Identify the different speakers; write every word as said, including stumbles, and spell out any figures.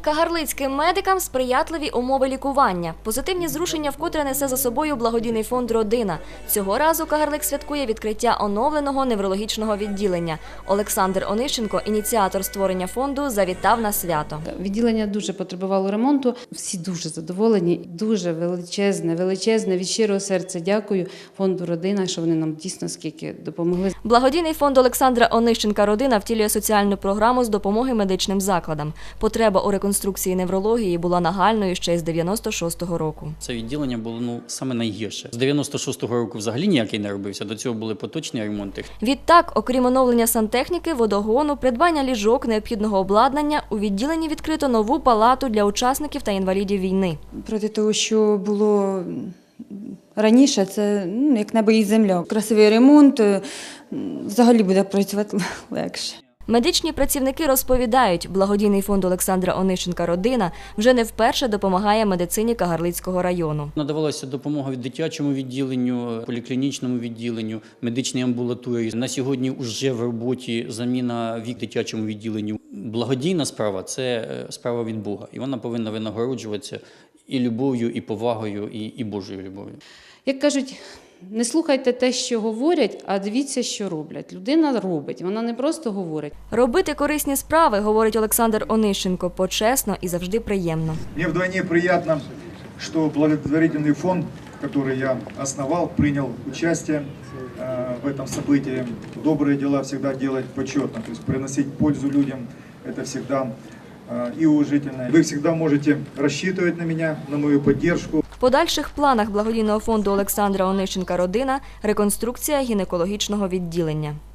Speaker 1: Кагарлицьким медикам сприятливі умови лікування. Позитивні зрушення вкотре несе за собою благодійний фонд «Родина». Цього разу Кагарлик святкує відкриття оновленого неврологічного відділення. Олександр Онищенко, ініціатор створення фонду, завітав на свято.
Speaker 2: Відділення дуже потребувало ремонту. Всі дуже задоволені. Дуже величезне, величезне, від щирого серця дякую фонду «Родина», що вони нам дійсно скільки допомогли.
Speaker 1: Благодійний фонд Олександра Онищенка «Родина» втілює соціальну програму з допомоги медичним закладам. Потреба у реконструкції неврології була нагальною ще з дев'яносто шостого року.
Speaker 3: Це відділення було ну саме найгірше. З дев'яносто шостого року взагалі ніякий не робився. До цього були поточні ремонти.
Speaker 1: Відтак, окрім оновлення сантехніки, водогону, придбання ліжок, необхідного обладнання, у відділенні відкрито нову палату для учасників та інвалідів війни.
Speaker 4: Проти того, що було раніше, це ну, як небо і земля. Красивий ремонт, взагалі буде працювати легше.
Speaker 1: Медичні працівники розповідають, благодійний фонд Олександра Онищенка «Родина» вже не вперше допомагає медицині Кагарлицького району.
Speaker 3: Надавалася допомога від дитячому відділенню, поліклінічному відділенню, медичній амбулаторії. На сьогодні вже в роботі заміна вік дитячому відділенню. Благодійна справа – це справа від Бога, і вона повинна винагороджуватися і любов'ю, і повагою, і, і Божою любов'ю.
Speaker 2: Як кажуть, не слухайте те, що говорять, а дивіться, що роблять. Людина робить, вона не просто говорить.
Speaker 1: Робити корисні справи, говорить Олександр Онищенко, почесно і завжди приємно.
Speaker 5: Мне вдвойне приятно, что благотворительный фонд, который я основал, принял участие э, в этом событии. Добрые дела всегда делать почетно, то есть приносить пользу людям, это всегда э, и уважительно. Вы всегда можете рассчитывать на меня, на мою поддержку.
Speaker 1: В подальших планах благодійного фонду Олександра Онищенка «Родина» – реконструкція гінекологічного відділення.